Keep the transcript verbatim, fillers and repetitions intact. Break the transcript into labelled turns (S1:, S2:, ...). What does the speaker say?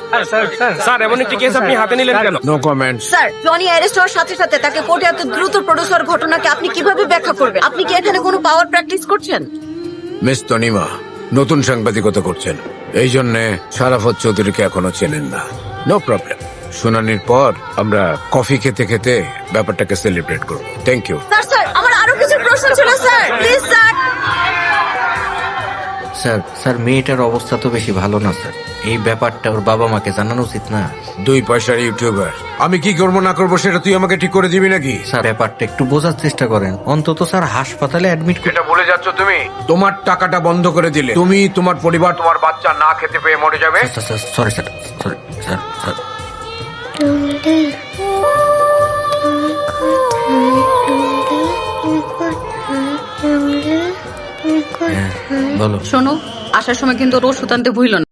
S1: Sir এমন একটি case আপনি হাতে নিলেন কেন?
S2: No comments.
S3: Sir, Johnny arrest হওয়ার সাথে সাথে তাকে কোর্টে এত দ্রুত প্রডিউস হওয়ার ঘটনাকে আপনি কিভাবে ব্যাখ্যা করবেন? আপনি কি এখানে কোনো পাওয়ার প্র্যাকটিস করছেন?
S2: মিস তনিমা নতুন সাংবাদিকতা করছেন, এই জন্যে সারাফত চৌধুরীকে এখনো চেনেন না। নো প্রবলেম, শুনানির পর আমরা কফি খেতে খেতে ব্যাপারটাকে সেলিব্রেট করব। Thank you.
S3: স্যার স্যার আমার আরো কিছু প্রশ্ন ছিল sir, please sir.
S4: Sir sir মেয়েটার অবস্থা তো বেশি ভালো না স্যার, এই ব্যাপারটা ওর বাবা মাকে জানানো উচিত না?
S2: দুই পয়সার ইউটিউবার, আমি কি করবো না করবো সেটা তুই আমাকে ঠিক করে দিবি নাকি?
S4: স্যার ব্যাপারটা একটু বোঝার চেষ্টা করেন, অন্তত স্যার হাসপাতালে অ্যাডমিট করে।
S2: এটা ভুলে যাচ্ছ তুমি। তোমার টাকাটা বন্ধ করে দিলে তুমি, তোমার পরিবার, তোমার বাচ্চা না খেতে পেয়ে মরে যাবে।
S4: Sorry sir, sorry sir sir হ্যাঁ, বলো।
S3: শোনো, আসার সময় কিন্তু ওর ওষুধ আনতে ভুলো না।